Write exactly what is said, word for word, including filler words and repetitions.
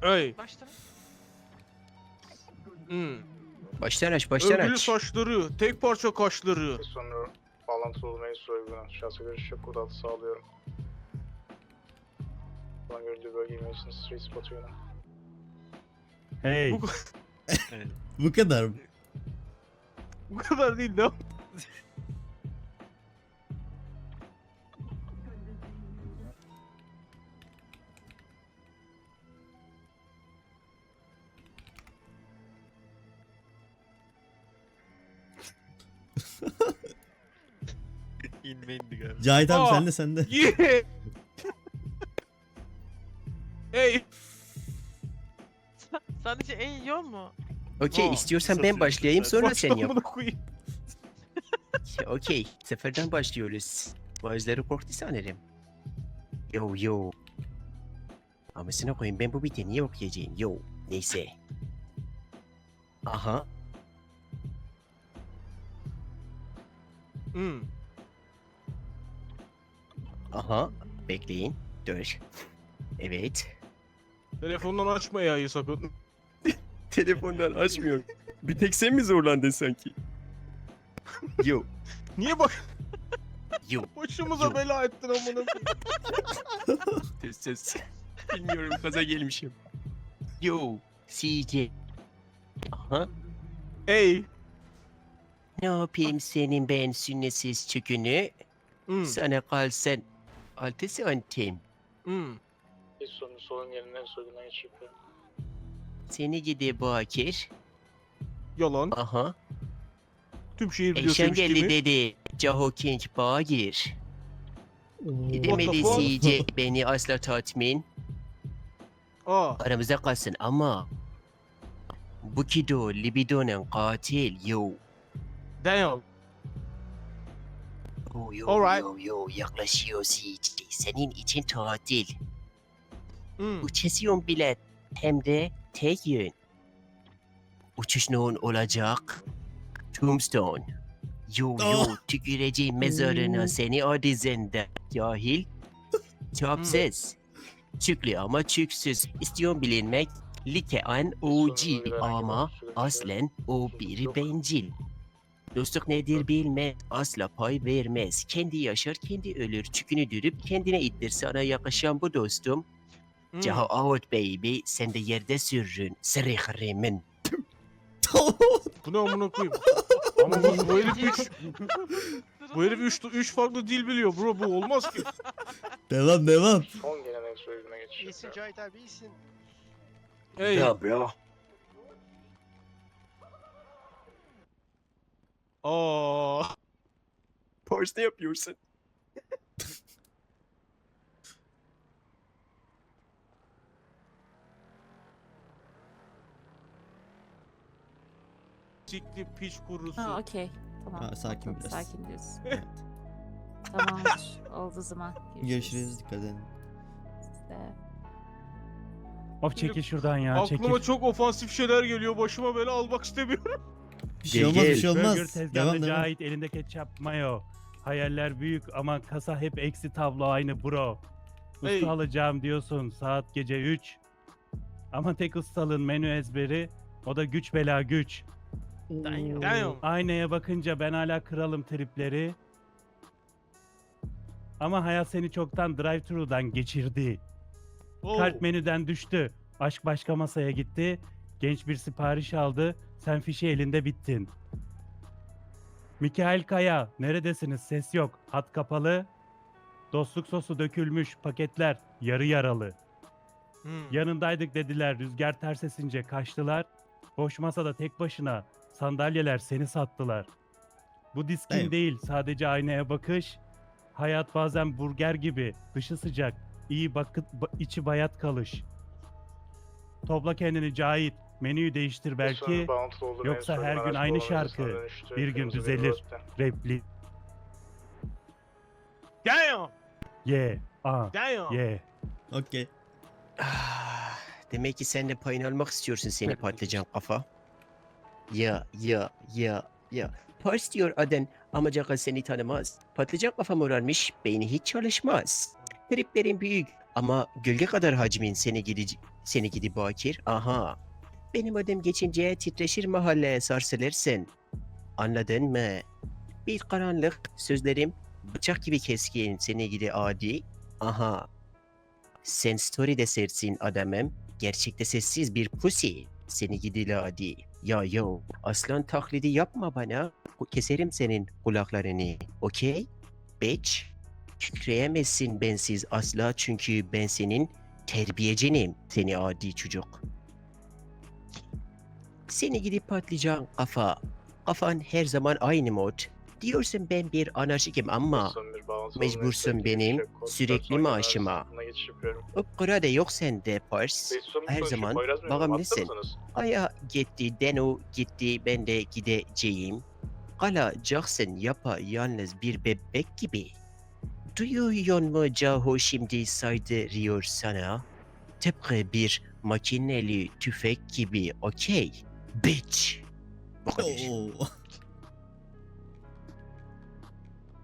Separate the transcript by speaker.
Speaker 1: Hey.
Speaker 2: Baştan.
Speaker 1: Hmm.
Speaker 3: Baştan aç, baştan
Speaker 1: Örgülü
Speaker 3: aç.
Speaker 1: saçları, tek parça kaşları.
Speaker 4: Sonra bağlantılı olmayı soygulan şahsa görüş yok kodu altı sağlıyorum. Şu an görüldüğü bölge Mason Street Spot yönü.
Speaker 5: Hey.
Speaker 1: Bu,
Speaker 6: Bu kadar mı?
Speaker 1: bu kadar değil ne?
Speaker 7: İnme indi galiba.
Speaker 6: Cahit abi
Speaker 1: Aa!
Speaker 6: sen de sen de.
Speaker 1: Yeah. Hey.
Speaker 2: Sadece en iyi yol mu?
Speaker 3: Okey,
Speaker 1: Aa,
Speaker 3: istiyorsan
Speaker 7: kısa
Speaker 3: ben
Speaker 7: süre
Speaker 3: başlayayım
Speaker 7: lütfen.
Speaker 3: sonra sen yap.
Speaker 1: Başlamını koyayım.
Speaker 3: Okey, seferden başlıyoruz. Bazıları korktu sanırım. Yo yo. Amasına koyayım, ben bu biti niye okuyacağım? Yo, neyse. Aha,
Speaker 1: Hmm.
Speaker 3: aha. Bekleyin, dur. Evet.
Speaker 1: Telefondan açma yayı sakın.
Speaker 3: Telefondan açmıyorum. Bir tek sen mi zorlandın sanki? Yo,
Speaker 1: Niye bak
Speaker 3: yo.
Speaker 1: başımıza
Speaker 3: Yok.
Speaker 1: bela ettin amına koyayım.
Speaker 3: Söz söz. Bilmiyorum, kaza gelmişim. Yo, C J. Aha.
Speaker 1: Hey.
Speaker 3: Ne yapayım senin ben sünnetsiz çükünü?
Speaker 1: Hmm.
Speaker 3: Sana kalsın altı santim.
Speaker 1: Hmm.
Speaker 4: Bir sonun solun yerinden soygundan geçiş yapıyorum.
Speaker 3: Seni gidi Bakir.
Speaker 1: Yalan.
Speaker 3: Aha.
Speaker 1: Tüm şehir biliyor
Speaker 3: Eşen
Speaker 1: sevmiş
Speaker 3: geldi
Speaker 1: kimi.
Speaker 3: dedi. Caho King Bagir. Demedi
Speaker 1: fuck?
Speaker 3: C J beni asla tatmin.
Speaker 1: Aa.
Speaker 3: Aramızda kalsın ama. Bu kido libidonun katil yo.
Speaker 1: Damn.
Speaker 3: Oh, yo
Speaker 1: Alright.
Speaker 3: yo yo yaklaşıyor C J. Senin için tatil.
Speaker 1: Hmm.
Speaker 3: Uçasyon bilet hem de tek yön. Uçuş nohun olacak. Tombstone. Yo yo
Speaker 6: Oh.
Speaker 3: tüküreceğim mezarına seni o dizinde. Cahil. Çapsız. Çüklü ama çüksüz. İstiyorum bilinmek. Litean O G ama aslen o bir bencil. Dostluk nedir bilmez, asla pay vermez. Kendi yaşar, kendi ölür. Çükünü dürüp kendine ittir. Sana yakışan bu dostum.
Speaker 1: Hmm.
Speaker 3: Caho out baby, sen de yerde sürrün. Sırık remin.
Speaker 1: Bu ne amına koyayım? Ama bu, bu herif üç, bu herif üç, üç farklı dil biliyor bro, bu olmaz ki.
Speaker 6: Devam devam.
Speaker 4: Son gelen soyguna geçiş
Speaker 7: İyisin
Speaker 4: yapıyorum.
Speaker 7: Cahit abi iyisin.
Speaker 1: Hey.
Speaker 3: bro.
Speaker 1: Aa.
Speaker 3: Pars ne yapıyorsun?
Speaker 1: Sikli piç kurusu.
Speaker 8: Ha okey. Tamam.
Speaker 6: Ha, sakin
Speaker 8: Tamam,
Speaker 6: biraz.
Speaker 8: Sakin diyorsun.
Speaker 6: Evet.
Speaker 8: Tamamdır. Oldu o zaman.
Speaker 6: Görüşürüz. Dikkat edin.
Speaker 8: Siz de.
Speaker 5: Of çekil şuradan ya
Speaker 1: Aklıma
Speaker 5: çekil.
Speaker 1: çok ofansif şeyler geliyor. Başıma bela almak istemiyorum.
Speaker 6: Bir şey
Speaker 3: Gel,
Speaker 6: olmaz bir
Speaker 3: gel.
Speaker 6: şey
Speaker 5: Burger
Speaker 6: olmaz.
Speaker 5: tezgahında
Speaker 6: Devam devam.
Speaker 5: Cahit elinde ketçap mayo. Hayaller büyük ama kasa hep eksi tablo aynı bro. Usta
Speaker 1: Hey.
Speaker 5: alacağım diyorsun saat gece üç. Ama tek ustalığın menü ezberi o da güç bela güç.
Speaker 1: Damn.
Speaker 5: Aynaya bakınca ben hala kralım tripleri. Ama hayat seni çoktan drive-thru'dan geçirdi.
Speaker 1: Oh.
Speaker 5: Kalp menüden düştü. Aşk başka masaya gitti. Genç bir sipariş aldı. Sen fişi elinde bittin. Mikael Kaya, neredesiniz? Ses yok. Hat kapalı. Dostluk sosu dökülmüş. Paketler yarı yaralı.
Speaker 1: Hmm.
Speaker 5: Yanındaydık dediler. Rüzgar ters esince kaçtılar. Boş masada tek başına. Sandalyeler seni sattılar. Bu diskin
Speaker 6: Evet.
Speaker 5: değil. Sadece aynaya bakış. Hayat bazen burger gibi. Dışı sıcak. İyi bakıt, ba- içi bayat kalış. Topla kendini Cahit. Menüyü değiştir belki. yoksa her gün aynı şarkı. Bir gün düzelir. Repli.
Speaker 1: Damn.
Speaker 5: Ye. A.
Speaker 1: Damn.
Speaker 5: Ye.
Speaker 6: Okey.
Speaker 3: Ah, demek ki sen de payını almak istiyorsun seni patlıcan kafa. Ya ya ya ya. Pars diyor aden ama Caka seni tanımaz. Patlıcan kafa morarmış, beyni hiç çalışmaz. Triplerin büyük Ama gölge kadar hacmin seni gidi, seni gidi bakir. Aha. Benim adım geçince titreşir mahalleye sarsılırsın. Anladın mı? Bir karanlık sözlerim bıçak gibi keskin seni gidi adi. Aha. Sen story'de sersin adamım. Gerçekte sessiz bir pussy. Seni gidi ladi. Ya yo. Aslan taklidi yapma bana. Keserim senin kulaklarını. Okey? Bitch. Kükreyemezsin bensiz asla çünkü ben senin terbiyecinim. Seni adi çocuk. Seni gidip patlayacağın kafa. Kafan her zaman aynı mod. Diyorsun ben bir anarşikim ama mecbursun benim sürekli maaşıma. Uppkıra da yok sende pars. Her zaman bağımlısın. Aya gitti, Deno gitti, ben de gideceğim. Kalacaksın yapa yalnız bir bebek gibi. Duyuyor mu Caho şimdi saydırıyor sana? Tıpkı bir makineli tüfek gibi, okey? Bitch. Bu kadar.
Speaker 6: Oo.